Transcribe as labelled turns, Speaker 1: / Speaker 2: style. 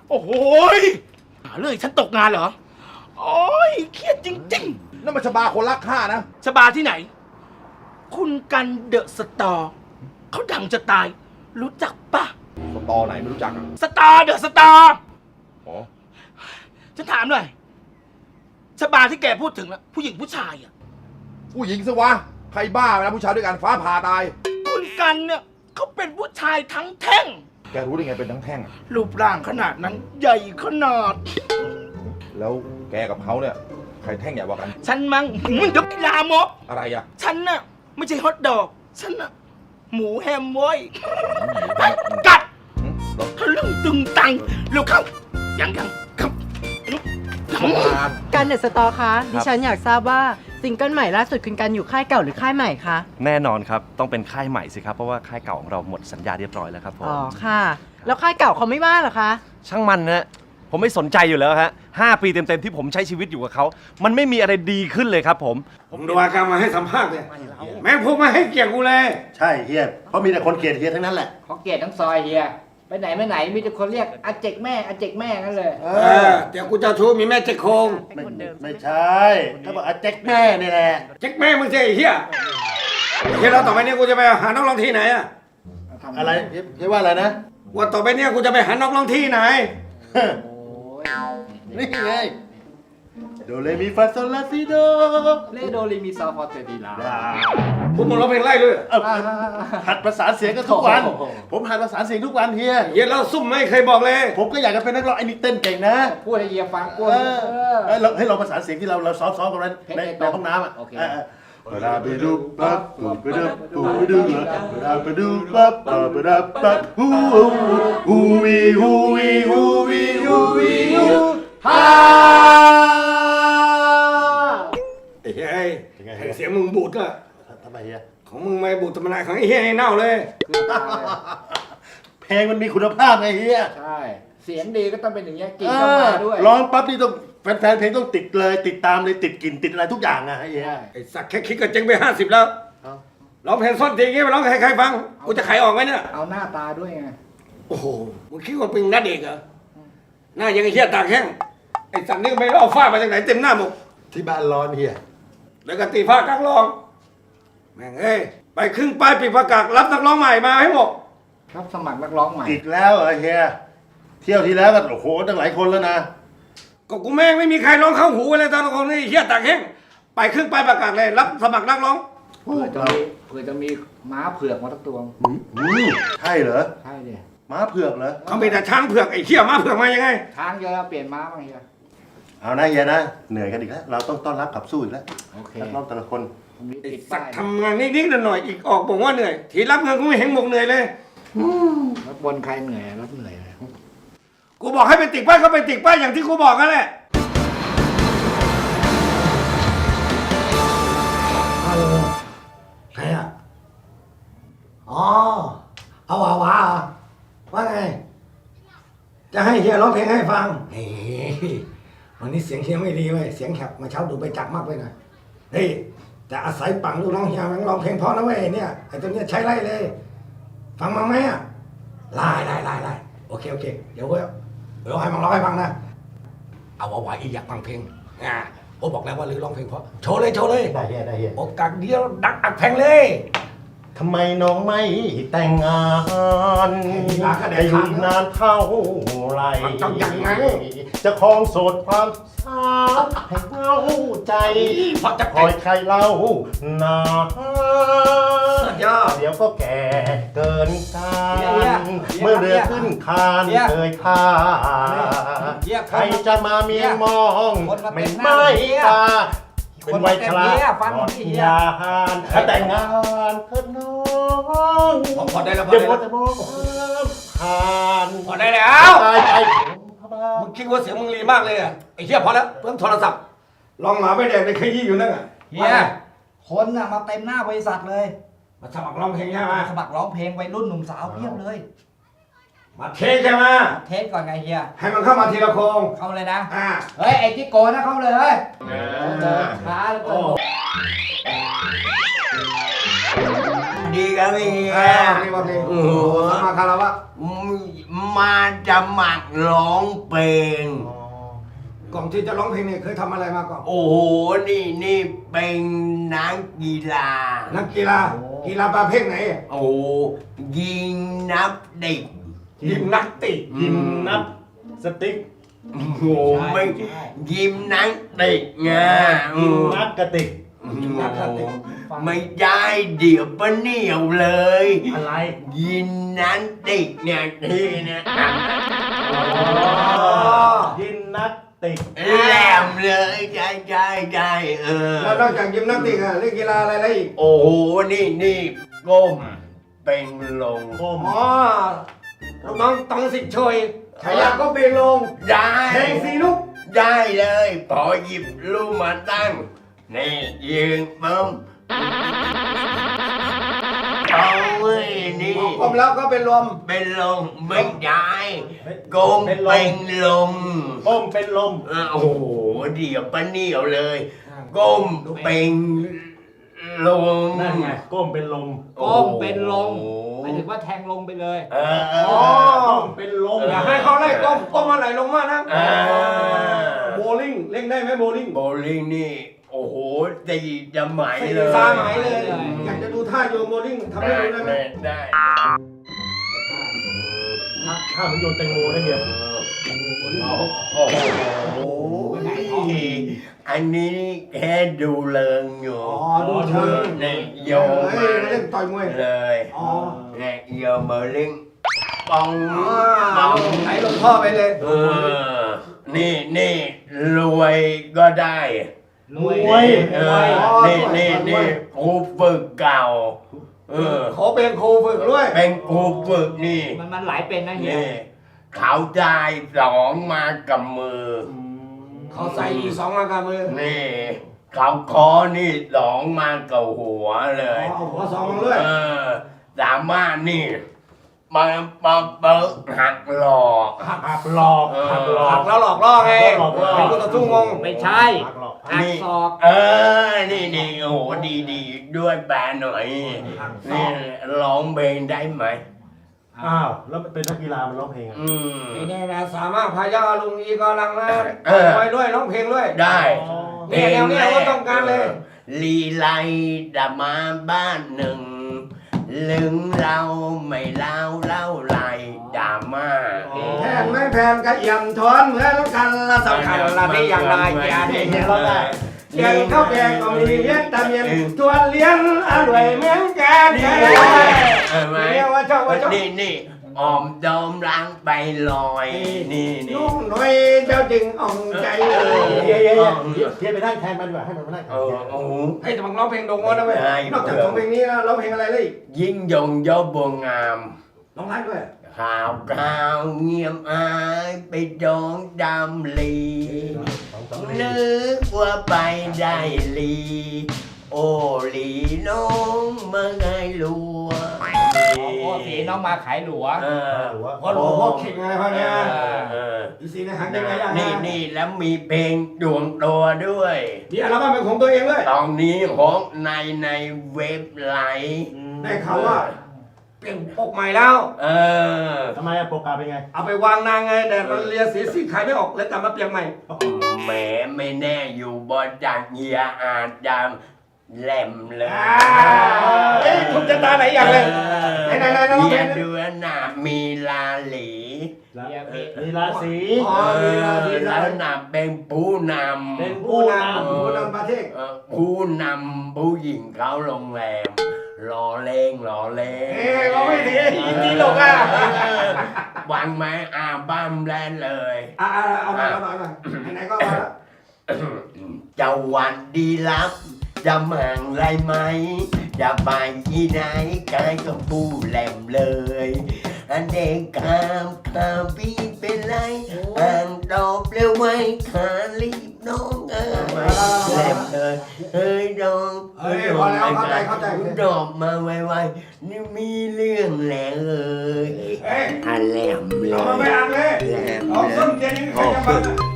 Speaker 1: โอ้โหหาเรื่องฉันตกงานเหรอโอ้ยเครียดจริงๆ
Speaker 2: นั่นมันชบาคนรักข้านะ
Speaker 1: ชบาที่ไหน คุณกันเดอะสตอร์เขาดังจะตาย รู้จักปะ
Speaker 2: สตอไหนไม่รู้จักอ่ะ
Speaker 1: สตาร์เดอะสตาร์
Speaker 2: อ๋อ
Speaker 1: ฉันถามหน่อยชบาที่แกพูดถึงอะผู้หญิงผู้ชายอะ
Speaker 2: ผู้หญิงสิวะ ใครบ้าไปนะผู้ชายด้วยกันฟ้าผ่าตาย
Speaker 1: คุณกันเนี่ยเขาเป็นผู้ชายทั้งแท่ง
Speaker 2: แกรู้ได้ไงเป็นทั้งแท่งอะ
Speaker 1: รูปร่างขนาดนั้นใหญ่ขนาด
Speaker 2: แล้วแกกับเขาเนี่ย ใครแท่งใหญ่กว่ากัน
Speaker 1: ฉันมั้งเดี๋ยวลามก
Speaker 2: อะไรอ่ะ
Speaker 1: ฉันน่ะไม่ใช่ฮอทดอก ฉันน่ะหมูแฮมเว้ยไปกัดทะลึ่งตึงตังเร็วเข้ายังครับ
Speaker 3: กันเดอะสตอร์คะดิฉันอยากทราบว่าซิงเกิลใหม่ล่าสุดคุณกันอยู่ค่ายเก่าหรือค่ายใหม่คะ
Speaker 4: แน่นอนครับต้องเป็นค่ายใหม่สิครับเพราะว่าค่ายเก่าของเราหมดสัญญาเรียบร้อยแล้วครับผม
Speaker 3: อ๋อค่ะ แล้วค่ายเก่าเขาไม่ว่าเหรอคะ
Speaker 4: ช่างมันนะผมไม่สนใจอยู่แล้วฮะ5 ปีเต็มๆที่ผมใช้ชีวิตอยู่กับเขามันไม่มีอะไรดีขึ้นเลยครับผม
Speaker 5: ผมดูอาการมาให้สัมภาษณ์เลยแม่งพวกมาให้เกียรติกูเลย
Speaker 6: ใช่เฮียเพราะมีแต่คนเกลียดเฮียทั้งนั้นแหละ
Speaker 7: เขาเกลียดทั้งซอยเฮียไปไหนไม่ไหนมีแต่คนเรียกอาเจกแม่อาเจกแม่นั่นเลย
Speaker 5: เดี๋ยวกูจะชูมีแม่เจ๊กโคง
Speaker 6: ไม่ใช่ถ้าบอกอาเจ๊กแม่นี่แหละ
Speaker 5: เจ๊กแม่มึงเจ๊ไอ้เฮียเฮียเราต่อไปเนี้กูจะไปหานักร้องที่ไหนอะ
Speaker 6: อะไรเฮียว่าอะไรนะ
Speaker 5: ว่าต่อไปเนี้กูจะไปหานักร้องที่ไหน
Speaker 6: นี่ไงโดเรมีฟาโซลาซิโด
Speaker 7: เลโดรีมีซอฟอร์เตดีลา
Speaker 5: พวกมึงร้องเพลงไล่ด้วย
Speaker 6: หัดประสานเสียงกันทุกวัน ผมหัดประสานเสียงทุกวันเฮีย
Speaker 5: เฮียเราซุ่มไม่เคยบอกเลย
Speaker 6: ผมก็อยากจะเป็นนักร้องไอ้นี่เต้นเก่งนะ
Speaker 7: พูดให้เฮียฟังกู
Speaker 6: เราให้เราประสานเสียงที่เราซ้อมกันไว้ในห้องน้ำอ่ะเวลาไปดูปั๊บไปดูไปดูเวลาไปดูปั๊บไปดูปั๊บฮูวีฮูวีฮูวีฮูวีฮูฮ่า
Speaker 5: ไอ้เฮียเสียงมึงบูดอะ
Speaker 6: ทำไมเฮีย
Speaker 5: ของมึงไม่บูดธรรมดาของไอ้เฮียไอ้เน่าเลย
Speaker 6: เพลงมันมีคุณภาพไงเฮีย
Speaker 7: ใช่เสียงดีก็ต้องเป็นอย่างเงี้ยกลิ่นต้องมาด้วย
Speaker 6: ร้องปั๊บนี่ต้องแฟนเพลงต้องติดเลยติดตามเลยติดกลิ่นติดอะไรทุกอย่างอ่ะเฮีย
Speaker 5: ไอ้สักแค่คิดก็เจ๊งไป50แล้วร้องเพลงซ่อนจริงงี้ไปร้องให้ใครฟังกูจะขายออกไหมเนี่ย
Speaker 7: เอาหน้าตาด้วยไง
Speaker 5: โอ้โห มึงคิดว่าเป็นนัดเอกเหรอ หน้ายังไอ้เหี้ยตากแห้ง ไอ้สัตว์นี่ไม่รู้เอาฝ้ามาจากไหนเต็มหน้าหมด
Speaker 6: ที่บ้านร้อนเฮีย
Speaker 5: แล้วก็ตีผ้ากลางรอง แม่งเอ้ย ไปครึ่งป้ายปิดประกาศรับนักร้องใหม่มาให้หมด
Speaker 7: รับสมัครนักร้องใหม่
Speaker 6: อีกแล้วเหรอเฮียเที่ยวที่แล้วก็โอ้โหตั้งหลายคนแล้วนะ
Speaker 5: ก็กูแม่งไม่มีใครร้องเข้าหูเลยตอนคนนี้ไอ้เหี้ยตากแห้ง ไปครึ่งป้ายประกาศเลยรับสมัครนักร้อง
Speaker 7: เผื่อจะมีม้าเผือกมาสักตัว
Speaker 6: ใช่เหรอ
Speaker 7: ใช่ดิ
Speaker 6: ม้าเผือกเหรอ
Speaker 5: เขามีแต่ช้างเผือกไอ้เหี้ยม้าเผือกมายังไง
Speaker 7: ช้างเยอะแล้วเปลี่ยนม้าบ้างเฮีย
Speaker 6: เอานะเฮียนะเหนื่อยกันอีกแล้วเราต้องต้อนรับขับสู้อีกแล้ว
Speaker 7: โอเค
Speaker 6: นักร้องแต่ละคน
Speaker 7: ผมมี
Speaker 5: ไอ้
Speaker 7: ติด
Speaker 5: สั
Speaker 7: ป้าก ย
Speaker 5: ทำงานนิดๆหน่อยๆอีกออกบอกว่าเหนื่อย ทีรับเงินกูไม่เห็นบอกเหนื่อยเลย
Speaker 7: รับบนใครเหนื่อยรับเหนื่อยเลย
Speaker 5: กูบอกให้ไปติดป้ายก็ไปติดป้ายอย่างที่กูบอกนั่นแหละ
Speaker 8: ใครอ่ะ อ๋อ เอาว่าว่าไง
Speaker 5: จะให้เฮียร้องเพลงให้ฟัง
Speaker 8: เฮ้ยวันนี้เสียงเฮียไม่ดีเว้ย เสียงแหบมาเช้าดูไปจักมากไปหน่อยเฮ้ยแต่อาศัยปังลูกน้องเฮียมันร้องเพลงเพราะนะเว้ยเนี่ย ไอ้ตัวเนี้ยใช้ไล่เลย ฟังมั้งไหมอ่ะไล่โอเค เดี๋ยวให้มันร้องให้ฟังนะ เอาว่าอีอยากฟังเพลงโอ้บอกแล้วว่าลือร้องเพลงเพราะ โชว์เลย
Speaker 6: ได้เฮียได้เฮีย
Speaker 8: โอกาสเดียวดักอักแพงเลย
Speaker 6: ทำไมน้องไม่แต่งงานจะอยู่อีกนานเท่าไหร
Speaker 8: มันต้องอย่างนั้น
Speaker 6: จะครองโสดความสาวให้เงาใจ
Speaker 8: เพราะจะ
Speaker 6: คอยใครเล่านา
Speaker 8: สุดยอด
Speaker 6: เดี๋ยวก็แก่เกินการเมื่อเรือขึ้นคานเคยท่าใครจะมาเมียมองไม่ตาเป็นวัยชราหมดยานแต่งงานเถิดน้อง
Speaker 8: พอได้แล้ว
Speaker 6: เดี๋ยวจะมองผ่าน
Speaker 5: พอได้แล้ว
Speaker 6: ตายไป
Speaker 5: มึงคิดว่าเสียงมึงรีมากเลยอ่ะ ไอ้เหี้ยพอแล้วเพิ่งโทรศัพท์ ลองหมาไปแดงในขยี้อยู่นั่นอ่ะ
Speaker 7: เฮียคนน่ะมาเต็มหน้าบริษัทเลย
Speaker 5: มาสมัครร้องเพลงใช่ไหม
Speaker 7: สมัครร้องเพลงวัยรุ่นหนุ่มสาวเพียบเลย
Speaker 5: มาเทสใช่ไหม
Speaker 7: เทสก่อนไงเฮีย
Speaker 5: ให้มันเข้ามาทีละโครง
Speaker 7: เข้าเลยนะ
Speaker 5: อ่า
Speaker 7: เฮ้ยไอ้จิโก้นะเข้าเลยเฮ้ยช้าแล้วก็
Speaker 9: ดีครับพี่
Speaker 8: นี่ว่าเพลง
Speaker 9: โอ้โห
Speaker 8: สมาคารวะ
Speaker 9: มาจะหมักร้องเพลง
Speaker 8: ก่อนที่จะร้องเพลงเนี่ยเคยทำอะไรมาก่อน
Speaker 9: โอ้โห นี่เป็นนักกีฬา
Speaker 8: นักกีฬาประเภทไหน
Speaker 9: โอ้โหยิงนับเด็ก
Speaker 8: ยิมนาสติก
Speaker 6: ยิมนับสติ๊ก
Speaker 9: โอ้โหไม่ยิมนักเด็กไง
Speaker 6: ยิมนักกระติก
Speaker 9: ไม่ได้เดี๋ยวปะเหนียวเลย
Speaker 6: อะไร
Speaker 9: ยิมนักเด็กเนี่ยที่เนี่ย
Speaker 6: ยิมนักติก
Speaker 9: แหลมเลยใช่
Speaker 8: แล้วนอกจากยิมนาสติกอะเล่นกีฬาอะไรอีก
Speaker 9: โอ้โหนี่ก้มเป็นลง
Speaker 6: ก้ม
Speaker 8: อ๋อลูกน้องตองสิทธิ์ช่วยฉายาก็เบงลง
Speaker 9: ได้
Speaker 8: เพลงสีลูก
Speaker 9: ได้เลยพอหยิบลูกมาตั้งนี่ยืนปุ๊มเอาเว้ยนี่
Speaker 8: กลมแล้วก็เป็นลม
Speaker 9: เป็นลมไม่ได้ก้มเป็นลม
Speaker 6: ก้มเป็นลม
Speaker 9: โอ้โหเดี๋ยวปะเหนียวเลยก้มเป็นลม
Speaker 6: นั่นไง ก้มเป็นลม
Speaker 7: ก้มเป็นลงหมายถึงว่าแทงลงไปเลย
Speaker 8: อ๋อ
Speaker 6: ก้มเป็นลม
Speaker 8: อย่าให้เขาไล่ก้มมาไหลลงมานะ
Speaker 9: โบ
Speaker 8: โบลิ่งเล่นได้ไหมโบลิ่ง
Speaker 9: โบลิ่งนี่ โอ้โหตีจะไหมเลย
Speaker 8: ตาหมายเลย อยากจะดูท่าโยนโบลิ่งทำให้ดูได้ไหม
Speaker 9: ได้
Speaker 6: ข้ามโยนแตงโมได้เหี้ย
Speaker 9: โอ้โหอันนี้แค่ดูเลิงอยู่
Speaker 8: อ๋อดูเชิง
Speaker 9: เนี่ยโย
Speaker 8: เฮ้
Speaker 9: ม
Speaker 8: ยเล่นต่อยมวย
Speaker 9: เลย
Speaker 8: อ๋อ
Speaker 9: เนี่ยโยมโบลิ่งปอง
Speaker 8: ไหลลงท่อไปเลย
Speaker 9: นี่รวยก็ได้
Speaker 7: รวย
Speaker 9: นี่ครูฝึกเก่า
Speaker 8: ขอเป็นครูฝึกด้วย
Speaker 9: เป็นครูฝึกนี่
Speaker 7: มันหลายเป็นนะเฮีย
Speaker 9: นี่เขาได้สองมากับมือ
Speaker 8: เขาใส่อีก2 มากามือ
Speaker 9: นี่เขาคอนี่สองมากับหัวเลย
Speaker 8: เอาหัว2มาด้วย
Speaker 9: สามารถนี่มาเบิกหักหลอก
Speaker 6: หักหลอกหักหลอ
Speaker 8: หั
Speaker 6: ก
Speaker 8: กแล้วหลอกล่อไง
Speaker 6: หลอกล่อ
Speaker 8: เป็นผู้ต่อสู้งง
Speaker 7: ไม่ใช่
Speaker 6: หักหลอก
Speaker 7: หักศอก
Speaker 9: นี่โอ้โหดีด้วยแปลหน่อยนี่ร้องเพลงได้ไหม
Speaker 6: อ้าว แล้วเป็นนักกีฬามันร้องเพลงอ่ะ
Speaker 8: นี่แน่นะสามารถพายาลุงอีกอลังนะ
Speaker 9: เออ
Speaker 8: ไปด้วยร้องเพลงด้วย
Speaker 9: ได้
Speaker 8: เนี่ยแนวเนี้ยว่าต้องการเลย
Speaker 9: ลีไลดามาบ้านหนึ่งลึงเราไม่เล่าไรดามา
Speaker 8: แทนไม่แพนกระเอี่ยมทอนเหมือนกันละสำคัญละที่อย่างไรอย่าได้เห็นเราได้เลี้ยงข้าวแกงก็มีเลี้ยงตะเมียนชวนเลี้ยงอร่อยเหมือนกัน
Speaker 9: นี่
Speaker 8: เนี่ยว่าชอบว่าชอบ
Speaker 9: นี่ออมดอมล้างไปลอยนี่
Speaker 8: นุ่งหน่อยเจ้าจึงอ่องใจ
Speaker 6: เพียไปนั่งแทนมันดีกว่าให้มันมานั่งแทน
Speaker 9: โอ้โห
Speaker 8: ให้แต่บังร้องเพลงโด่งนะเว้ยนอกจากร้องเพลงนี้แล้วร้องเพลงอะไรเลย
Speaker 9: ยิ่งยงยอบัวงาม
Speaker 8: ร้องไห้ด้วย
Speaker 9: ข่าวเงียบอายไปดองดำลีนึกว่าไปได้ลี โอลีน้องมาไงลัว
Speaker 7: โอ้สีน้องมาขายหลัว
Speaker 8: พอหลวงพ่อเข่งอะไรพวกเนี้ยอีซีในหางยังไงอ่ะ
Speaker 9: นี่แล้วมีเพลงดวงตัวด้วย
Speaker 8: มีอัลบั้มเป็นของตัวเองด้วย
Speaker 9: ตอนนี้ของในเว็บไลน์
Speaker 8: ได้ข่าวว่าเปลี่ยนปกใหม่แล้ว
Speaker 6: ทำไมอะโปรแกรมเป็นไง
Speaker 8: เอาไปวางนางไงแต่มันเลียสีขายไม่ออกเลยกลับมาเปลี่ยนใหม่
Speaker 9: แหมไม่แน่อยู่บนจากเฮียอาจดำแหลมเลย
Speaker 8: เอ้ยคุณจะตาไหนอย่างเลยไหน
Speaker 9: เฮีย
Speaker 8: ๆๆ
Speaker 9: เดือนหนามีลาหลี
Speaker 6: มีราศี
Speaker 8: อ๋อมีราศี
Speaker 9: แล้วนำเป็นผู้นำ
Speaker 6: เป็น
Speaker 8: ผู้นำประเทศ
Speaker 9: ผู้นำผู้หญิงเขาโรงแรมรอเล่ง
Speaker 8: เอ้ยเราไม่ดีจีหลกอ่ะ
Speaker 9: วางไม้อาบ้ามแลนเลย
Speaker 8: เอาหน่อยไหนๆก็มาละ
Speaker 9: จะวันดีรับจะมังไรไหมจะไปที่ไหนกายก็ผู้แหลมเลยอันเด็กข้ามพี่เป็นไรอ่างตอบเร็วไว้ขารีบน้องแหลมเลยเฮ้ยน้อง
Speaker 8: พอแล้วเข้าใจ
Speaker 9: ดอกมาไวๆนี่มีเรื่องแล้วเอ้ยอันแหลมเลย
Speaker 8: เอามาไม่อ่านเลย
Speaker 9: แหลม
Speaker 8: เอา
Speaker 9: เล
Speaker 8: ส้
Speaker 9: ย
Speaker 8: นเทียนนี่ใครจะฟัง